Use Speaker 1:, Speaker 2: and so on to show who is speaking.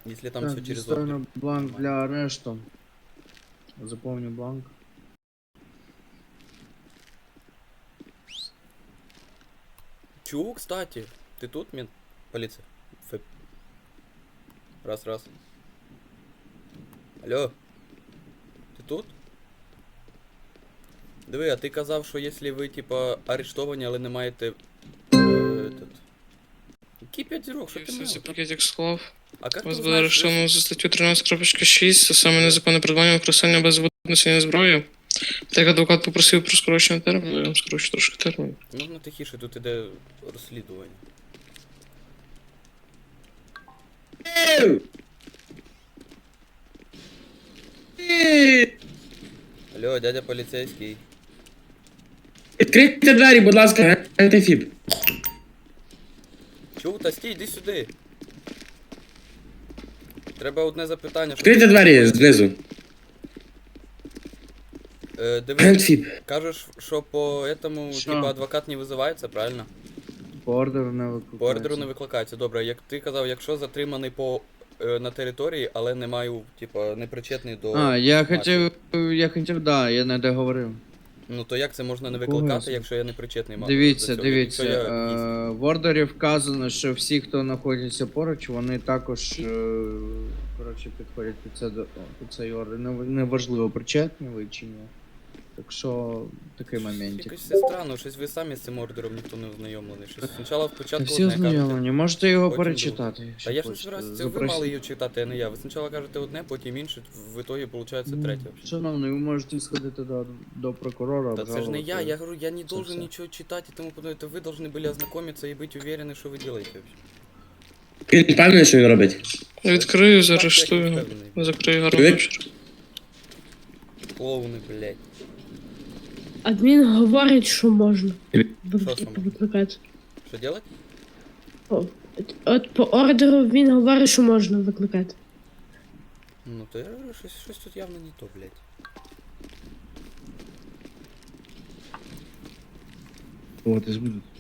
Speaker 1: Если там
Speaker 2: Так,
Speaker 1: все через
Speaker 2: дістану
Speaker 1: ордер.
Speaker 2: бланк для арешту. Заповню бланк.
Speaker 1: Чу, кстати, ты тут, мент? Полиция. Раз. Алло. Ти тут? Диви, а ти казав, що якщо ви, типа, арештовані, але не маєте. Этот. Який 5 зірок, що ти
Speaker 3: Все,
Speaker 1: мав?
Speaker 3: пакетик склав.
Speaker 1: А як ти
Speaker 3: Вас буде
Speaker 1: узнаєш,
Speaker 3: арештовано за статтю 13.6, це саме незаконне придбання використання без носіння зброї. Так адвокат попросив про скорочення терміну, я вам скорочу трошки термін.
Speaker 1: Можна тихіше, тут іде розслідування. Алло, дядя поліцейський.
Speaker 4: Відкрийте двері, будь ласка, антифіб.
Speaker 1: Чув, та стій, йди сюди. Треба одне запитання.
Speaker 4: Відкрийте двері знизу.
Speaker 1: Диви,
Speaker 4: Антифіб.
Speaker 1: кажеш, що по этому,
Speaker 2: Що?
Speaker 1: типа, адвокат не визивається, правильно?
Speaker 2: По ордеру не викликається.
Speaker 1: По ордеру не викликається. Добре, як ти казав, якщо затриманий на території, але не маю, типа, не причетний до.
Speaker 2: А, я
Speaker 1: мафії.
Speaker 2: хотів, да, я не договорив.
Speaker 1: Ну то як це можна не
Speaker 2: Кого
Speaker 1: викликати,
Speaker 2: це?
Speaker 1: якщо я не причетний до
Speaker 2: Дивіться,
Speaker 1: цього? Якщо я гість?
Speaker 2: в ордері вказано, що всі, хто знаходиться поруч, вони також, коротше, підходять під цей ордер. Неважливо, причетні ви чи ні. Так що, такий моментик.
Speaker 1: Якось все странно, щось ви самі з цим ордером ніхто не ознайомлений. Щось спочатку
Speaker 2: Та
Speaker 1: спочатку
Speaker 2: всі
Speaker 1: одне кажете.
Speaker 2: ознайомлені, можете його
Speaker 1: потім
Speaker 2: перечитати.
Speaker 1: Та
Speaker 2: якщо
Speaker 1: я ж не
Speaker 2: хочете.
Speaker 1: збираюся, це ви мали її читати, а не я. Ви спочатку кажете одне, потім інше, в итогі виходить третє.
Speaker 2: Шановний, ви можете сходити до прокурора.
Speaker 1: Та це ж не я
Speaker 2: обжалувати.
Speaker 1: говорю, я не должен
Speaker 2: все.
Speaker 1: ничего читать и тому подобное. Это вы должны были ознакомиться и быть уверены, что вы делаете вообще.
Speaker 4: Він впевнений, що він робить.
Speaker 3: Відкрию,
Speaker 1: Так, я
Speaker 3: заарештую.
Speaker 1: впевнений.
Speaker 3: Закрию гарний
Speaker 4: Привіт.
Speaker 3: вечір.
Speaker 1: Клоуни, блядь.
Speaker 5: Адмін говорить, що можна
Speaker 1: Що саме?
Speaker 5: викликати.
Speaker 1: Що делать?
Speaker 5: От по ордеру він говорить, що можна викликати.
Speaker 1: Ну то я говорю, щось тут явно не то, блядь.
Speaker 2: Вот, і збудуть.